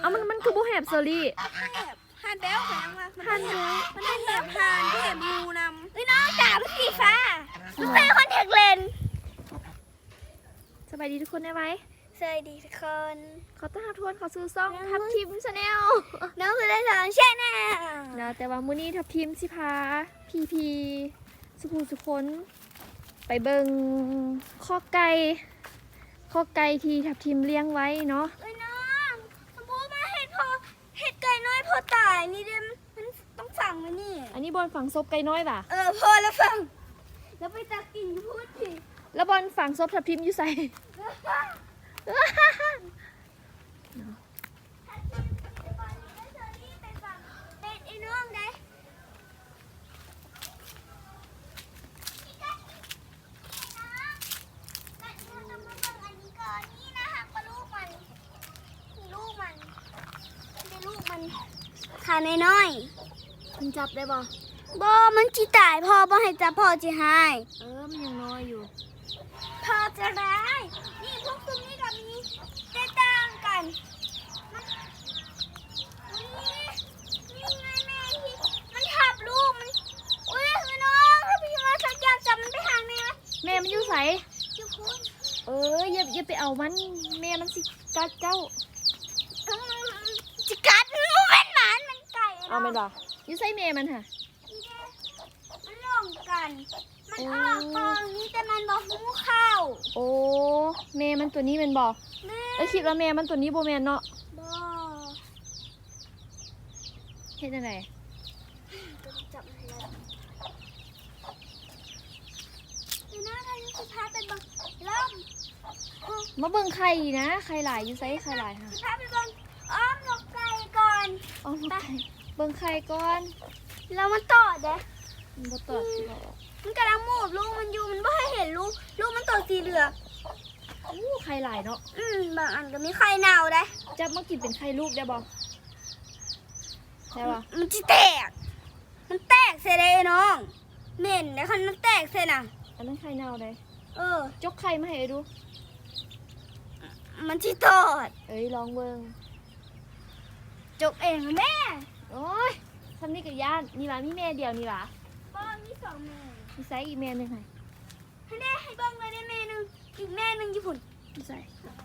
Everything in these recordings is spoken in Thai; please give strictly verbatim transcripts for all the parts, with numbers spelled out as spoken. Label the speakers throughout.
Speaker 1: เอามันมันคือโบแหบเซอรี่
Speaker 2: แหบหานแบ้วแข็งว่ะมันเป็นแหบมันเป็นแหบหานที่แหบมูนำเฮ้ยน้องจ๋ามันสีฟ้ามันเป็นคอนแทคเลนส์
Speaker 1: สบายดีทุกคนได้ไหม
Speaker 2: สวัสดีทุกคน
Speaker 1: ขอต้อนรับทุกคนเขอซื้อซ่องทับทิมชาแนล
Speaker 2: น้องคือได้สอนแช่แน่
Speaker 1: นะแต่ว่ามื้อนี้ทับทิมสิพาพีพีสุภูสุคนไปเบิงข้อไก่ข้อไก่ที่ทับทิมเลี้ยงไว้เนาะ
Speaker 2: เอ้ยน้องสมมติมาเห็ดพอเห็ดไก่น้อยพอตายนี่เดมมันต้องสั่งมานี่
Speaker 1: อันนี้บอลฝังซบไก่น้อยป่ะ
Speaker 2: เออพอแล้วฟังแล้วไปตักกินอยู่พูดสิ
Speaker 1: แล้วบอลฝังซบทับทิมอยู่ใส่
Speaker 2: เป็นไอ้น้องได้ขาน้อย
Speaker 1: คุณจับได้บ่
Speaker 2: ๆบอมันจีตายพอบ่ให้จับพอจีหาย
Speaker 1: เออมันยังน้อยอยู่
Speaker 2: พอจะได้นี่พวกซุ้มนี่กับนี้ได้ต่างกันมันนี่นี่ไงแม่ที่มันทับลูกมันอุ้ยคือน้องถ้าพี่มาสักอย่างจับมันไปทางไหนวะ
Speaker 1: แม่มันอยู่ใส่
Speaker 2: อยู่คุณ
Speaker 1: เอออย่าอย่าไปเอามันแม่มันสิกัดเจ้า
Speaker 2: อืมจิกัดมันเป็นหมามันไก่
Speaker 1: เอาไหมล่ะอยู่ใส่แม่มันค่ะ
Speaker 2: มันลงกัน มันออกกองนี้แต่มันบอกหูเข้า
Speaker 1: โอ้แม่มันตัวนี้เป็นบ่
Speaker 2: แม่
Speaker 1: เอ้ยคิดว่าแม่มันตัวนี้โบแมนเนาะ
Speaker 2: บอ
Speaker 1: เฮ็ดจังได
Speaker 2: จับมันแล้วนี่นะถ้ายุสิพาไปบังล่ม
Speaker 1: มาเบิ่งไข่นะไข่หลายอยู่ไสไข่หลายค่ะ
Speaker 2: สิพาไปบังอ้อมนกไก่ก่อน
Speaker 1: อ๋อไข่เบิ่งไข่ก่อน
Speaker 2: แล้วมันต่อเด้
Speaker 1: มันบ่ตอบสิบ่
Speaker 2: มันกำลังมูบลูกมันอยู่มันไม่ให้เห็นลูกลูกมันตัวสีเหลือง
Speaker 1: อู้ไข่หลายเนาะ
Speaker 2: อืมบางอันก็มีไข่เน่าได้
Speaker 1: จับมากินเป็นไข่ลูกได้บ่ใช่ป่ะ
Speaker 2: มันจะแตก มันแตกเสียเลยน้องเหม็นนะคันมันแตกเสียน่ะ
Speaker 1: อันนั้นไข่เน่าได้
Speaker 2: เออ
Speaker 1: จกไข่มาให้ดู
Speaker 2: มันที่ตอด
Speaker 1: เอ้ยลองเบิ่ง
Speaker 2: จกเองนะแม่
Speaker 1: โอ้ยทำนี่กับย่านนี่ล่ะมีแม่เดียวนี่ล่ะ
Speaker 2: บ้านมีสองแม่
Speaker 1: มีไซส์อีกแม่หนึงให้
Speaker 2: ให้แม่ให้เบิ้งเลยได้แม่หนึ่งอีกแม่หนึ่งญี่ปุ่น
Speaker 1: มีไซส์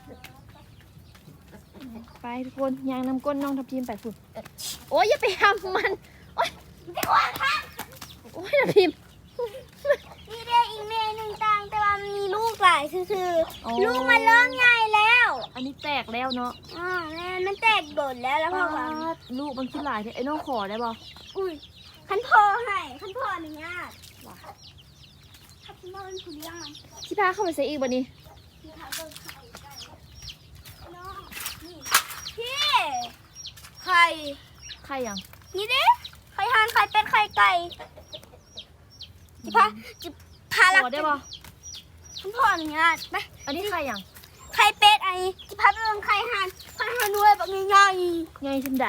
Speaker 1: ไปทุกคนยางนำก้นน้องทับทิมไปฝุ่นโอ้ยอย่าไปทำมันโอ้ย
Speaker 2: จะว่าค่ะ
Speaker 1: โอ้ยทับทิม
Speaker 2: นี่ได้อีกแม่หนึ่งตังแต่ว่ามันมีลูกหลายคือ
Speaker 1: อ๋อ
Speaker 2: ๆลูกมันเริ่มใหญ่แล้ว
Speaker 1: อันนี้แตกแล้วเนาะ
Speaker 2: อ๋อแม่มันแตกโดดแล้วแล้วพ่อว่า
Speaker 1: ปาดลูกมันขึ้นหลายเท่ไอ้น้องขอได้บ่
Speaker 2: อุ้ยขันพ่อให้ขันพ่ออนุญาต
Speaker 1: ว้า
Speaker 2: ขันพ่อเป็นผู้เลี้ยงมัน
Speaker 1: ที่พาเข้าไปใส่อีกบ่นี้
Speaker 2: พี่ทำเบิ้งไข่ไก่น้องนี่พี่ไข่
Speaker 1: ไข่ยัง
Speaker 2: นี่ดิไข่ห่านไข่เป็ดไข่ไก่จิพาจิพาลัก
Speaker 1: ขอได้บ่
Speaker 2: ขันพ่ออนุญาตไป
Speaker 1: อันนี้ไข่ยัง
Speaker 2: ไข่เป็ดไอ้จิพาไปเบิ้งไข่ห่านไข่ห่านด้วยแบบง่าย
Speaker 1: ไงฉันได้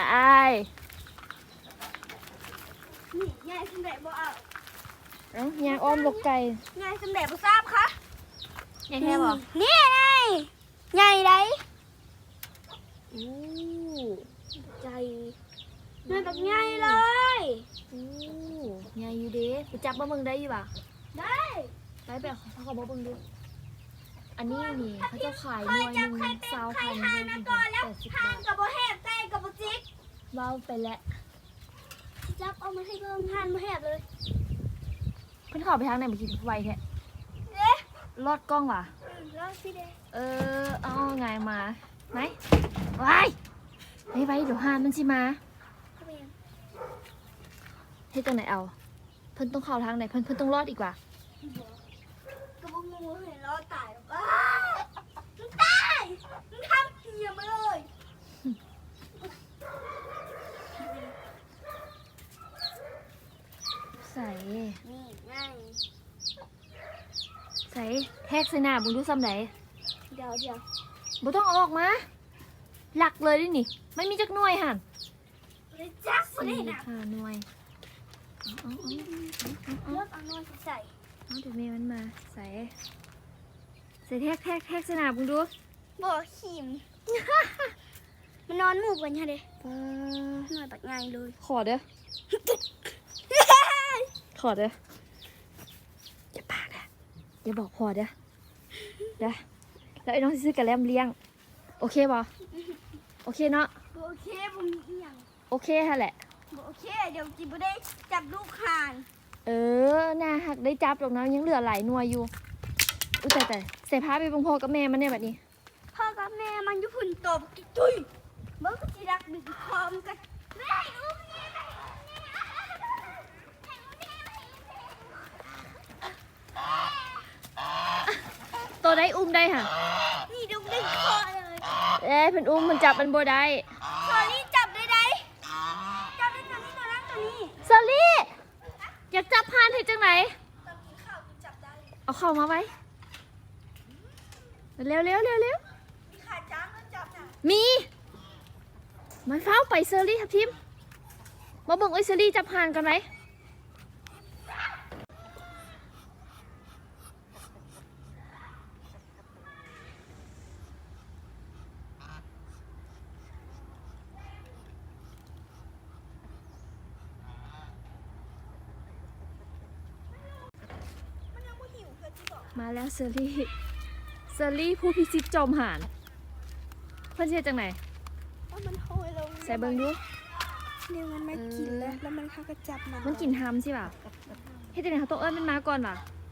Speaker 2: ๆนี่ง่ายสำเร็จบ่เอา
Speaker 1: เอ้ายางอ้อมลกไก่
Speaker 2: ง่ายสำเร็จบ่ทราบคะ
Speaker 1: ไงแท้บ่
Speaker 2: นี่ไงใหญ่ไร
Speaker 1: อู้
Speaker 2: ใจ มันแบบใหญ่เลย
Speaker 1: อู้ไงอยู่เด้ไปจับมาเบิ่งได้อยู่บ่
Speaker 2: ได้
Speaker 1: ไปแบบเขาขอมาเบิ่งดูอันนี้นี่เขาจะขายห
Speaker 2: ค
Speaker 1: น่
Speaker 2: อ
Speaker 1: วย ยห
Speaker 2: จับ
Speaker 1: นึ่ง
Speaker 2: ไข่เป็ด
Speaker 1: สาว
Speaker 2: ไข่
Speaker 1: พัน
Speaker 2: ห่านมาก่อนแล้ว
Speaker 1: แปดสิบ
Speaker 2: ห่า
Speaker 1: บาน ท
Speaker 2: กับบ่แหบไก่กับบ่จิก
Speaker 1: ว้าวไปแล้ว
Speaker 2: จับเอามาให้เบิ่งห่านบ่แหบเลย
Speaker 1: เพิ่นเข้าไปทางไหนเมื่อกี้ไวแท้
Speaker 2: เด้
Speaker 1: ลอดกล้องว่ะ
Speaker 2: รอสิเด้
Speaker 1: เออเอาไงมาไหนว้ายไปไปเดี๋ยวหานมันสิมาเฮ็ดจังไหนเอา เพิ่นต้องเข้าทางไหนเพิ่นเพิ่นต้องรอดอีกว่า
Speaker 2: กับบ่งูเห็นรอตายหรอกอ้ามันตายมันทำเหี้ยมาเลย
Speaker 1: ใส่
Speaker 2: นี่ไง
Speaker 1: ใส่แทกใส่หน้าบุญดูซ้ำไหน
Speaker 2: เดี๋ยวเดี๋ยว
Speaker 1: บุต้องเอาออกมา หลักเลยดินี่ไม่มีจักหน่วยหัน
Speaker 2: เลยจักบ่ได้
Speaker 1: สี่
Speaker 2: นะ
Speaker 1: ห้าหน่วยเอาเอาเอาเอา
Speaker 2: เลือกเอานอนใส่
Speaker 1: เอาเดี๋ยวเมย์มันมาใส่ใส่แทกแทกแทกใส่หน้าบุญดู
Speaker 2: บ่ขิมมันนอนหมู่กันใช่ไหม
Speaker 1: ป้า
Speaker 2: หน่อยปัดไงเลย
Speaker 1: ขอเด้อขอเด้ออย่าปากนะอย่าบอกพอเด้อเด้อแล้วไอ้น้องสิซื้อกระแลมเลี้ยงโอเคบ่โอเคเนาะ
Speaker 2: โอเคผมมีอีหยัง
Speaker 1: โอเคฮะแหละ
Speaker 2: โอเคเดี๋ยวจิบได้จับลูกห่าน
Speaker 1: เออน่าหักได้จับหรอกนะยังเหลือหลายหน่วยอยู่อุ้ยแต่แต่ใส่ผ้าไปบังพ่อกับแม่มันเนี่ยแบบนี้
Speaker 2: พ่อกับแม่มันอยุพุ่นตบตุ้ยเมื่อกี้รักดึกคอมกันแม่อุ้มนี่แม่
Speaker 1: ตัวได้อุ้มได้ค่ะ
Speaker 2: นี่ดึงดึงคอเลย
Speaker 1: เอ้ยเพิ่นอุ้มมันจับมันบ่ได้
Speaker 2: คอนี่จับได้ไหมจับได้ตัวนี้ตัวนั้นตัวนี้
Speaker 1: เซอรี่อยากจับพานให้จังไหน
Speaker 2: ตอนกินข้าวจับได้
Speaker 1: เอาเข้ามาไว้เร็วเร็วเร็วเร็ว
Speaker 2: มีขาจ้างก็จับน่ะ
Speaker 1: มีมันเฝ้าไปเซอรี่ครับทิมมาเบิ่งไอ้เซอรี่จับพานกันไหมมาแล้วเซอรี่เซอรี่ผู้พิชิตจอมหานเพื่อนเชื่อจังไหน
Speaker 2: แล้วมันโหยลง
Speaker 1: ใส่เบิ่งดู
Speaker 2: เนี่ยมันมากินแล้วแล้วมันเข้าก็จับมัน
Speaker 1: มันกินทำใช่ป่ะเฮ็ดจังไหนเขาต้องเอิ้นมันมาก่อนป่ะ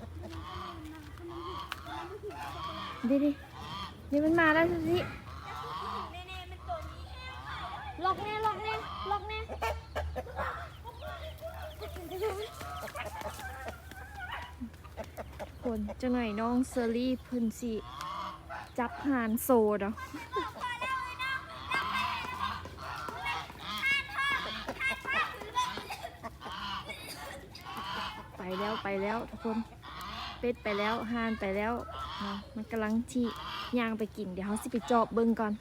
Speaker 1: ดิดินี่มันมาแล้วสิ
Speaker 2: แน่ๆมันตัวนี้
Speaker 1: ล็อกแน่ล็อกแน่ล็อกแน่คนจังไหนน้องเซอรี่เพิ่นสิจับหานโซดอ่ะไปแล้วไปแล้วทุกคนเป็ดไปแล้วห่านไปแล้วเนาะมันกำลังที่ย่างไปกินเดี๋ยวเขาสิไปจอบเบิ่งก่อน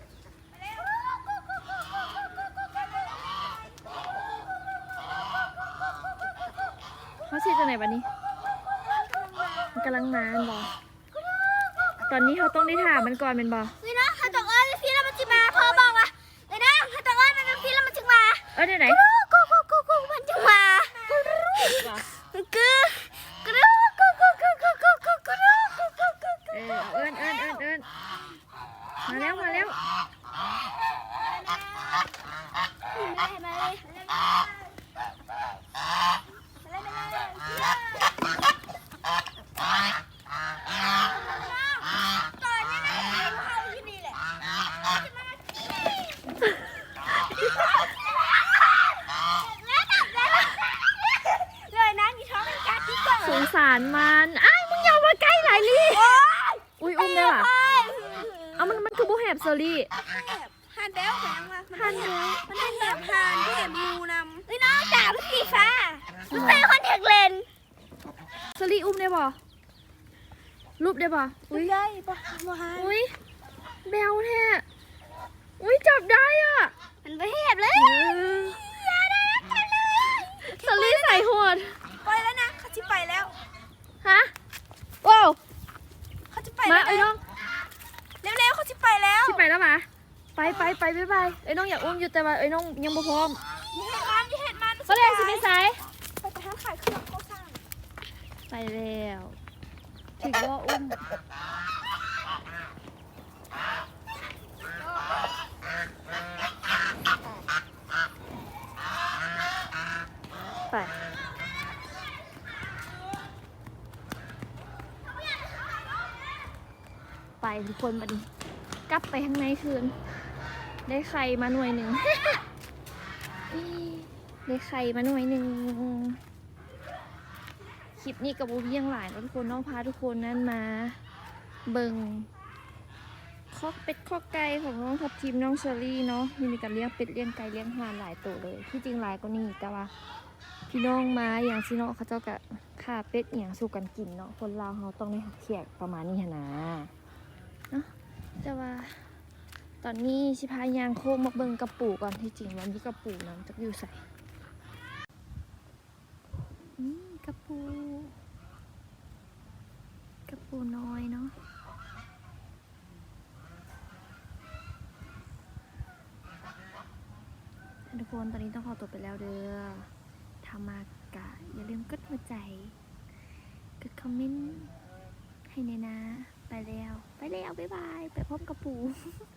Speaker 1: เขาเช็ดจากไหนบัดนี้มันกำลังมาบอตอนนี้เขาต้องได้ถามมันก่อนเป็นบอ
Speaker 2: นี่นะถ้าตกเอ้ยพี่แล้วมันจะมาพ่อบอกว่าเลยนะถ้าตกเอ้ยมันเป็นพี่แล้วมันจะมา
Speaker 1: เออเดี๋ยวไหน
Speaker 2: กูกูกูกูมันจะมากูกูกูกูกูกูกูกูกูกูกูกูกู
Speaker 1: เออเอิญเอิญเอิญเอิญมาแล้วมาแล้ว
Speaker 2: มาเลยมาเลยเลยนะมีท้องเป็นกัดที่ก่อน
Speaker 1: สงสารมันอ้ายมึงอย่ามาใกล้หลายลี่อุ้ยอุ้มได้ป่ะเอามันมันคือบุแหบเซอรี่
Speaker 2: หันแล้วแสงว่าหันแล้วมันได้แหบหันที่เห็บมูนำเฮ้ยน้องจ๋ามันสีฟ้ามันเป็นคอนแทคเลนส์
Speaker 1: เซอรี่อุ้มได้ป่ะรูปได้ป่ะอุ้ย
Speaker 2: ได้ปะบัวหัน
Speaker 1: อุ้ยแบวแท้อุ้ยจับได้อ่ะ
Speaker 2: มันไปแหบเลย อย่าได้กันเลย
Speaker 1: เซอรี่ใส่หัวด
Speaker 2: ไปแล้วนะเขาจะไปแล้ว
Speaker 1: ฮะว้าว
Speaker 2: เขาจะไป
Speaker 1: มา
Speaker 2: แล้ว
Speaker 1: ไอ้น้อง
Speaker 2: เร็วๆเขาจะไปแล้ว
Speaker 1: ที่ไปแล้วมาไปไปไปไปไปไอ้น้องอยากอุ้มอยู่แต่ว่าไอ้น้องยังบ่พร้อม
Speaker 2: อย่าเห็นมันอย่าเห็นมัน
Speaker 1: ก็เลยสิไปสาย
Speaker 2: ไปไปทางขายเครื่องเขาสร้าง
Speaker 1: ไปแล้วถึงว่าอุ้มไปไปทุกคนบัดนี้กลับไปข้างในคืน ได้ไข่มาหน่วยหนึ่ง ได้ไข่มาหน่วยหนึ่งคลิปนี้กับบูบี้ยังหลายแล้วทุกคนน้องพาทุกคนนั้นมาเบิงคอกเป็ดคอกไก่ของน้องทับทีมน้องเชอรี่เนาะมีการเลี้ยงเป็ดเลี้ยงไก่เลี้ยงห่านหลายตัวเลยที่จริงหลายก็นี่แต่ว่าพี่น้องมาอย่างซีเนาะเขาเจ้ากะฆ่าเป็ดอย่างสู้กันกินเนาะคนลาวเขาต้องได้หักเขียกประมาณนี้หนนะเนาะแต่ว่าตอนนี้ชิพายางโค้งมาเบิงกระปูก่อนที่จริงวันนี้กระปูน้ำจะอยู่ใส่อืมกระปูกระปูน้อยเนาะทุกคนตอนนี้ต้องขอตัวไปแล้วเด้อทามากะอย่าลืมกดหัวใจกดคอมเมนต์ให้ในนะไปแล้ว ไปแล้ว บ๊ายบาย ไปพร้อมกับปู่